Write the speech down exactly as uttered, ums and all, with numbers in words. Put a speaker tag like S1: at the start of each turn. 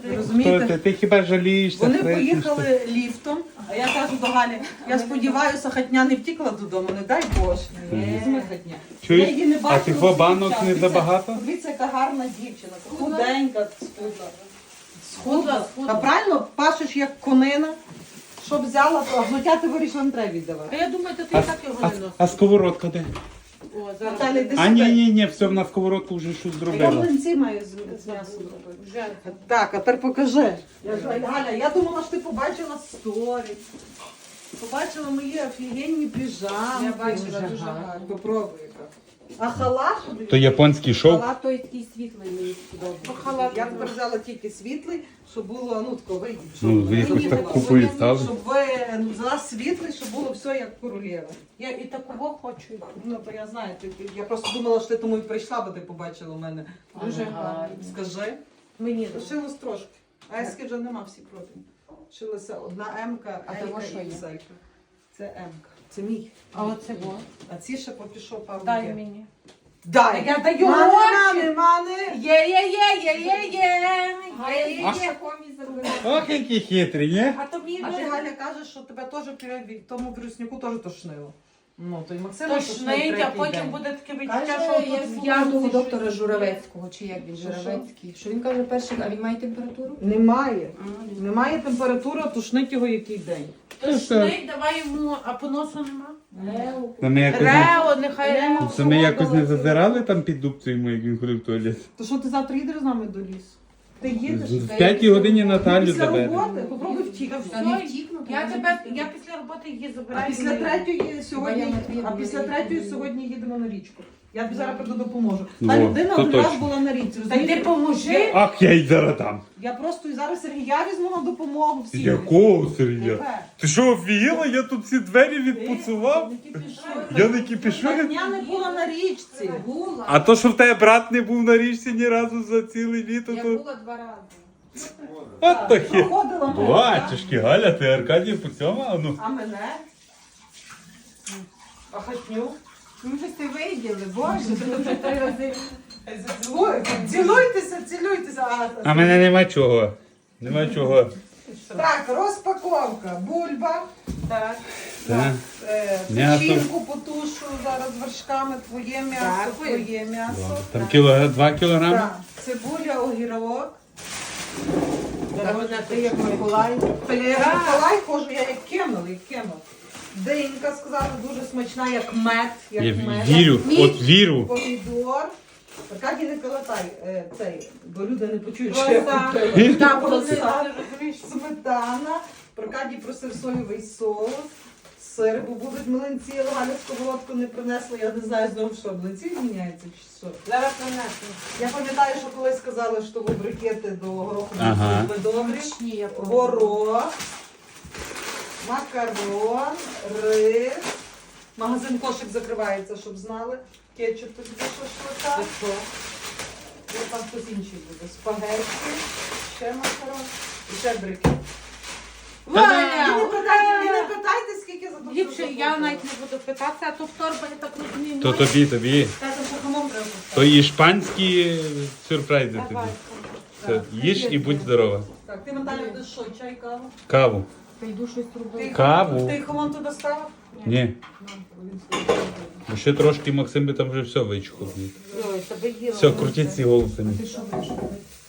S1: Хто
S2: Розумієте?
S1: ти? Ти хіба жалієшся?
S2: Вони
S1: хрестишся?
S2: поїхали ліфтом, а я кажу до Галі, я сподіваюся, хатня не втікла додому, не дай Боже. Візьми хатня.
S1: Чуєш?
S2: Я її не
S1: А
S2: бачила
S1: тих
S2: скільки
S1: банок
S2: часу.
S1: не
S2: Дивіться,
S1: забагато?
S2: Дивіться, яка гарна дівчина, худенька, схудла.
S3: Схудла, схудла.
S2: Та правильно, пашеш як конина, щоб взяла, то а взуття ти вирішила не треба
S3: А
S2: віддавати.
S3: я думаю, то ти
S1: А,
S3: і так його
S1: а,
S3: не носиш.
S1: а сковородка де?
S3: О, зараз.
S2: Наталя, йди
S1: А
S2: сюди.
S1: ні, ні, ні, все, на сковородку вже щось
S2: Я
S1: зробила.
S2: млинці маю з, з м'ясом робити.
S3: Вже.
S2: Так, а тепер покажи. Я ж, Галя, я думала, що ти побачила сторіс. Побачила мої офігенні піжами.
S3: Я бачила, дуже гарно.
S2: Попробуй яка. А халат?
S1: То японський шов.
S4: Халат той такий світлий мені сподобався.
S3: Халат.
S2: Я тепер взяла тільки світлий, щоб було, ну тако вийдіть.
S1: Ну, ви
S2: щоб-
S1: якось так купою стали.
S2: Щоб ви ну, взяла світлий, щоб було все як королева.
S3: Я і такого хочу.
S2: Ну, то я знаю, ти, ти- я просто думала, що ти тому і прийшла, бо ти побачила в мене.
S3: Дуже
S4: Ага.
S3: гарно.
S2: Скажи.
S3: Мені
S2: Шилось трошки. А ески вже нема всі проти. Шилася одна М-ка,
S4: А
S2: Елька
S4: того що
S2: і
S4: є?
S2: Ікселька. Це М-ка. Це мій.
S3: А оце во.
S2: А ці ще попішов пару
S3: Дай
S2: є.
S3: мені.
S2: Дай!
S3: Я даю
S2: Мане,
S3: гроші.
S2: мане, мане!
S3: Є, є, є, є, є, є. Є, є,
S4: А
S3: є.
S4: що комі зробили?
S1: Ох, які хитрі, ні?
S3: А то мені
S2: А ти,
S3: вже
S2: Галя, кажеш, що тебе теж при тому віруснюку теж тошнило. Ну, то й Максим
S3: тошнить, а потім буде таке відчуття,
S4: Каже,
S3: що
S4: я
S3: тут
S4: слухала
S3: в'язці
S4: того
S3: щось
S4: доктора
S3: є.
S4: Журавецького, чи як він,
S2: Що, що?
S4: Журавецький, що він каже перший, а він має температуру?
S2: Немає.
S4: А,
S2: Немає температури, а тошнить його який день.
S3: Тошнить, давай йому, а поносу нема.
S4: Лео.
S1: Та ми якось не,
S3: Рео, нехай Рео.
S1: це ми якось не зазирали там під дубцю йому, як він ходив в туалет.
S2: То що ти завтра їдеш з нами до лісу? Ти їдеш?
S1: В п'ятій годині Наталю
S2: Після
S1: забере.
S2: роботи? Попробуй втікти.
S4: Та не втікну,
S3: Я
S4: то
S3: тебе,
S4: не
S3: я після роботи її
S2: А
S3: забираю.
S2: після третьої сьогодні,
S4: Моя Матвія
S2: а
S4: буде
S2: після
S4: їхати.
S2: третьої сьогодні їдемо на річку. Я тобі зараз прийду допоможу.
S1: Во,
S2: Та людина
S1: то
S2: один раз
S1: точно.
S2: була на річці.
S3: Та
S2: розумієте?
S3: йди поможи.
S1: Ах, я й зараз там.
S2: Я просто і зараз Сергія візьму на допомогу всім.
S1: Якого Сергія?
S2: Тепер.
S1: Ти що, офігела? Я тут всі двері відпуцував.
S2: Не кипішуй.
S1: Я не кипішу.
S2: Дня не була на річці.
S4: була.
S1: А то, що в тебе брат не був на річці ні разу за ціле літо,
S4: Я
S1: то...
S4: була два рази.
S1: От то хі.
S2: Проходила мене.
S1: Бачишки, Галя, ти Аркадій по цьому? А ну.
S2: А мене? А хатню?
S4: Ми вже це виділи, боже, це вже три рази.
S2: Ой, Цілуйтеся, цілуйтеся. А,
S1: А мене нема чого. Нема чого.
S2: Так, розпаковка. Бульба. Так.
S1: Так.
S2: Е,
S1: М'ясо.
S2: Печінку потушу зараз вершками. Твоє м'ясо,
S4: Дякую.
S2: твоє м'ясо.
S1: Там кіло, два кілограми?
S2: Так. Цибуля, огірок.
S4: Так, вона ти як Миколай.
S2: Та я як Миколай хожу, я як кемел, як кемел. Динька, сказали, дуже смачна, як мед. Як
S1: Я
S2: мед.
S1: вірю,
S2: Мід,
S1: от вірю.
S2: Помідор. Аркадій, не колотай е, цей, бо люди не почують, що
S3: Ось
S2: я
S3: так.
S2: купила.
S3: Так, вони
S2: Круасан,
S3: розумієш.
S2: сметана. Аркадій просив соєвий соус. Сир, бо будуть млинці, але Галя сковородку не принесла, я не знаю знову, що млинці зміняються чи що.
S3: Зараз принесу.
S2: Я пам'ятаю, що колись сказали, що брикети до гороху
S1: Ага.
S2: були добрі.
S4: Смачні, я пробувала.
S2: Горох, макарон, рис. Магазин кошик закривається, щоб знали. Кетчуп тобі до шашлика. І там хтось інший буде. Спагетті, ще макарон і ще брикет. І не
S3: Валя!
S2: питайте, і не питайте, скільки за то.
S3: Ліпше
S2: все
S3: я
S2: заплатила.
S3: навіть не буду питатися, а то в торбі, я так розумію.
S1: То
S3: моє.
S1: тобі, тобі.
S2: Та там ще хамон треба
S1: То
S2: поставити.
S1: і шпанські сюрпризи тобі.
S3: Давай.
S1: Все, їж і будь здорова.
S2: Так, ти, Наталя, будеш що, чай, каву?
S1: Каву.
S4: Та йду щось
S2: Ти
S4: робити.
S1: Каву?
S2: Ти хамон туди ставив?
S1: Ні.
S2: Ну, він стоїть.
S1: Бо ще трошки Максим би там вже все вичухав.
S3: Ой, тебе їла.
S1: Все, крутіть ці голоси.
S4: Ти що будеш робити?